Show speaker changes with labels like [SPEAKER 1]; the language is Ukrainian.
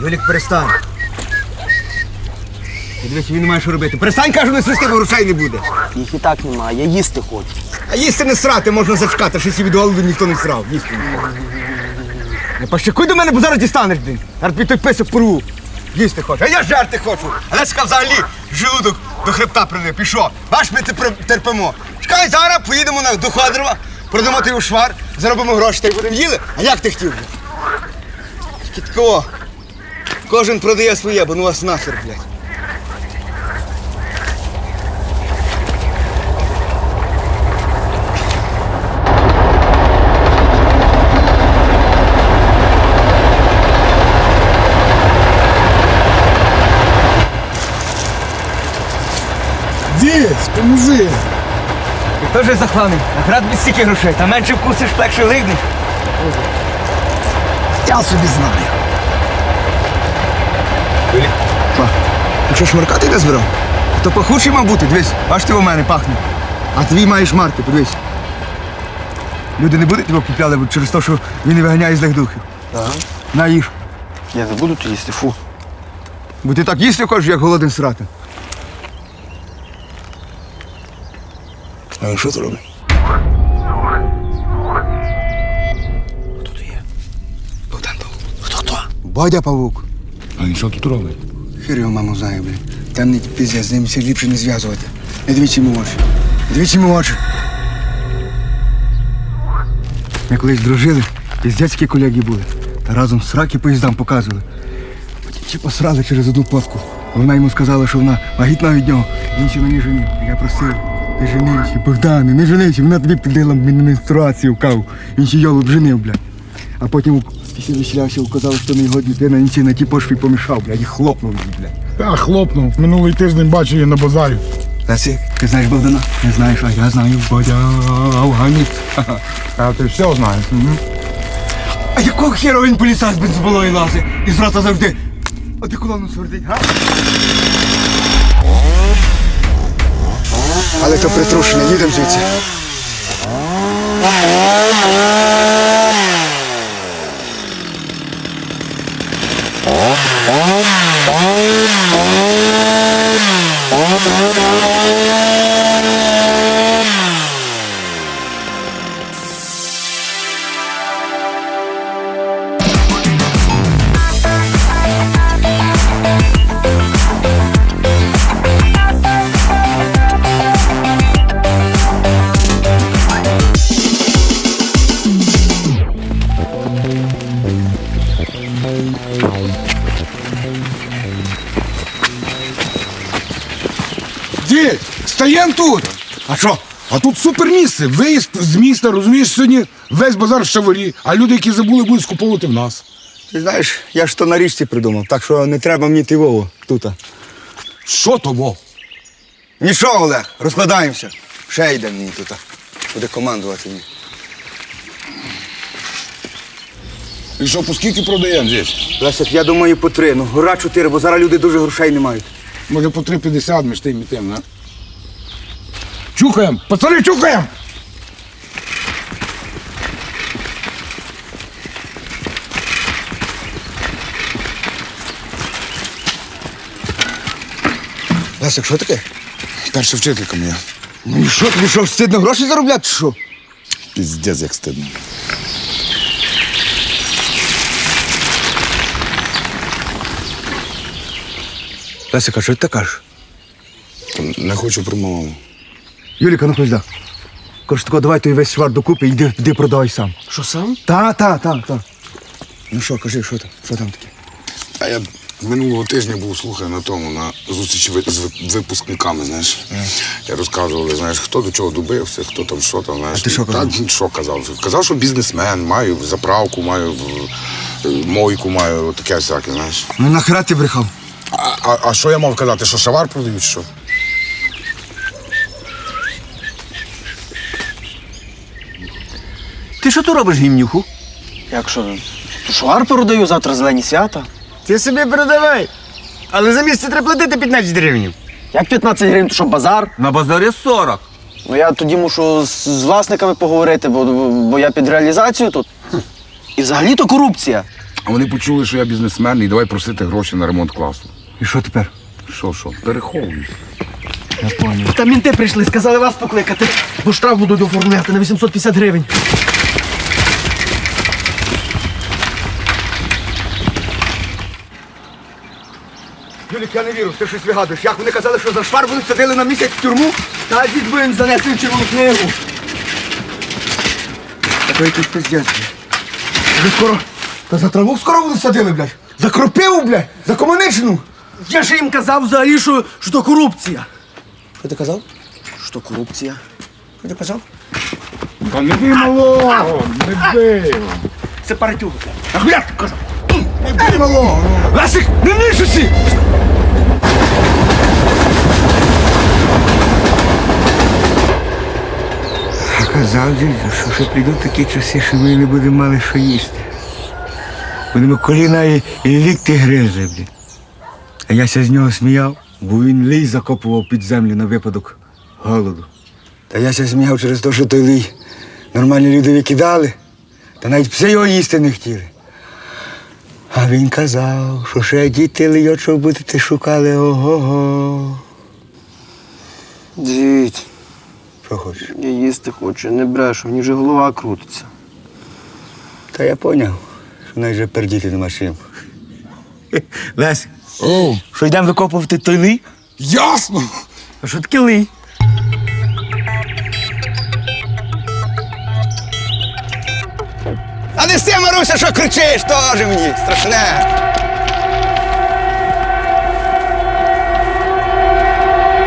[SPEAKER 1] Юлік, перестань. Дивись, він не має що робити. Перестань, кажу, не свисти, бо грошей не буде.
[SPEAKER 2] Їх і так немає, я їсти хочу.
[SPEAKER 1] А їсти не срати, можна зачекати, що сі від голоду ніхто не срав. Їсти не хоче. Не пощакуй до мене, бо зараз дістанеш, блін. Зараз тобі той писок порву. Їсти хочу. А я жерти хочу. Леська взагалі желудок до хребта прилип. І що? Бач, ми терпимо. Чекай, зараз поїдемо до Ходорова, продамо той швар, заробимо гроші та й будемо їли. А як ти хотів би? Тільки такого. Кожен продає своє, бо ну вас нахер, блядь.
[SPEAKER 3] Дідь, поможи.
[SPEAKER 1] Ти теж захланий. Наград від стільки грошей. Та менше вкусиш, легше лигнеш.
[SPEAKER 3] Я собі знаю.
[SPEAKER 1] Па, ти що, шмаркати не збирав? То пахучий мав бути, дивись, аж ти у мене пахне. А твій маєш марки, подивись. Люди не будуть його купляли через те, що він не виганяє злих духів.
[SPEAKER 2] Ага.
[SPEAKER 1] На, їж.
[SPEAKER 2] Я не буду то їсти, фу.
[SPEAKER 1] Бо ти так їсти хочеш, як голоден срати. А що ти робиш?
[SPEAKER 2] Хто то є?
[SPEAKER 1] Богдан Павук.
[SPEAKER 2] Хто?
[SPEAKER 1] Бодя Павук.
[SPEAKER 3] А він що тут робить?
[SPEAKER 1] Хір його маму знає, блін. Темний піздець, з ним все ліпше не зв'язувати. Не дивіться йому в очі. Не дивіться йому в очі. Ми колись дружили, піздецькі колеги були. Та разом сраки поїздам показували. Потім ті посрали через одну плавку. Вона йому сказала, що вона вагітна від нього. Він ще мені женив. Я просив, не женися, Богдане, не женися. Вона тобі підлила менструацію в каву. Він ще йолоп женив, блядь. А потім після веселявся, вказав, що не його дитина, він ще на ті пошві помішав, блядь, і хлопнув її, блядь.
[SPEAKER 3] Та хлопнув. Минулий тиждень бачив її на базарі.
[SPEAKER 1] Лесик, ти знаєш Богдана? Не знаєш, а я знаю Бодя Афганець.
[SPEAKER 3] А ти все знаєш.
[SPEAKER 1] А якого хера він поліцай з бензоболої лазить? І з рота завжди. А ти колону свердить, га? Але то притрушене, їдемо звідси.
[SPEAKER 3] Дідь, стаєм тут.
[SPEAKER 1] А що?
[SPEAKER 3] А тут супер місце. Виїзд з міста, розумієш, сьогодні весь базар в шаварі, а люди, які забули, будуть скуповувати в нас.
[SPEAKER 1] Ти знаєш, я ж то на річці придумав, так що не треба мені ти Вову тут.
[SPEAKER 3] Що того?
[SPEAKER 1] Нічого, Олег, розкладаємося. Ще йде мені тут. Буде командувати мені.
[SPEAKER 3] І що, по скільки продаємо здесь?
[SPEAKER 1] Лесик, я думаю, по 3. Ну, гора 4, бо зараз люди дуже грошей не мають.
[SPEAKER 3] Може по 3,50 між тим і тим, не? Чухаємо! Пацани, чухаємо!
[SPEAKER 1] Лесик, що таке?
[SPEAKER 3] Перша вчителька моя.
[SPEAKER 1] Ну і що, тобі що, стидно гроші заробляти, чи що?
[SPEAKER 3] Піздець, як стидно.
[SPEAKER 1] Лесик, а що ти кажеш?
[SPEAKER 3] Не хочу про маму.
[SPEAKER 1] Юліка, ну хоч. Кажу, тако, давай той весь свар докупи і йди продавай сам.
[SPEAKER 2] Що сам?
[SPEAKER 1] Та. Ну що, кажи, що там таке?
[SPEAKER 3] А я минулого тижня був, слухай, на тому, на зустрічі з випускниками, знаєш. Я розказували, знаєш, хто до чого добився, хто там, що там, знаєш.
[SPEAKER 1] А ти що казав?
[SPEAKER 3] Та, що казав? Казав, що бізнесмен, маю заправку, маю мойку, маю таке всяке, знаєш.
[SPEAKER 1] Ну нахера ти брехав?
[SPEAKER 3] А що я мав казати, що шавар продають, що?
[SPEAKER 2] Ти що тут робиш, гімнюху? Як що? Швар продаю, завтра зелені свята.
[SPEAKER 1] Ти собі передавай. Але за місце треба платити 15 гривень.
[SPEAKER 2] Як 15 гривень, то що базар?
[SPEAKER 1] На базарі 40.
[SPEAKER 2] Ну я тоді мушу з власниками поговорити, бо я під реалізацію тут. І взагалі то корупція.
[SPEAKER 3] А вони почули, що я бізнесмен, і давай просити гроші на ремонт класу.
[SPEAKER 1] І що тепер?
[SPEAKER 3] Що, переховуюсь.
[SPEAKER 1] Я поняв.
[SPEAKER 2] Та мінти прийшли, сказали вас покликати, бо штраф будуть оформляти на 850 гривень.
[SPEAKER 1] Юлік, я не вірю, ти щось вигадуєш. Як вони казали, що за швар вони садили на місяць в тюрму? Та дід би їм занесли в червону книгу. Та то якийсь пиздець. Вже скоро. Та за траву скоро вони садили, блядь. За кропиву, блядь. За комуничну.
[SPEAKER 2] Я ж їм казав взагалі, що то корупція.
[SPEAKER 1] Що ти казав?
[SPEAKER 2] Що корупція?
[SPEAKER 1] Що ти казав?
[SPEAKER 3] Та не бий малого, не бий.
[SPEAKER 2] Це паратюк.
[SPEAKER 1] А хуя ти казав? Не бий малого. Ласик, не нишуся! Казав дідько, що прийдуть такі часи, що ми не будемо мали що їсти. Будемо коліна і лікти гризли, блін. А я ся з нього сміяв, бо він лій закопував під землю на випадок голоду. Та я ся сміяв через те, що той лій нормальні люди викидали, та навіть пси його їсти не хотіли. А він казав, що ще діти лийочок будете шукали, ого-го.
[SPEAKER 2] Дідь,
[SPEAKER 1] Що хочеш?
[SPEAKER 2] я їсти хочу, не брешу, мені вже голова крутиться.
[SPEAKER 1] Та я поняв, що навіть вже пердіти нема чим. Лесь, що йдемо викопувати той лій?
[SPEAKER 3] Ясно!
[SPEAKER 2] А що таке лий?
[SPEAKER 1] А не з тим, Маруся, що кричиш, теж мені страшне.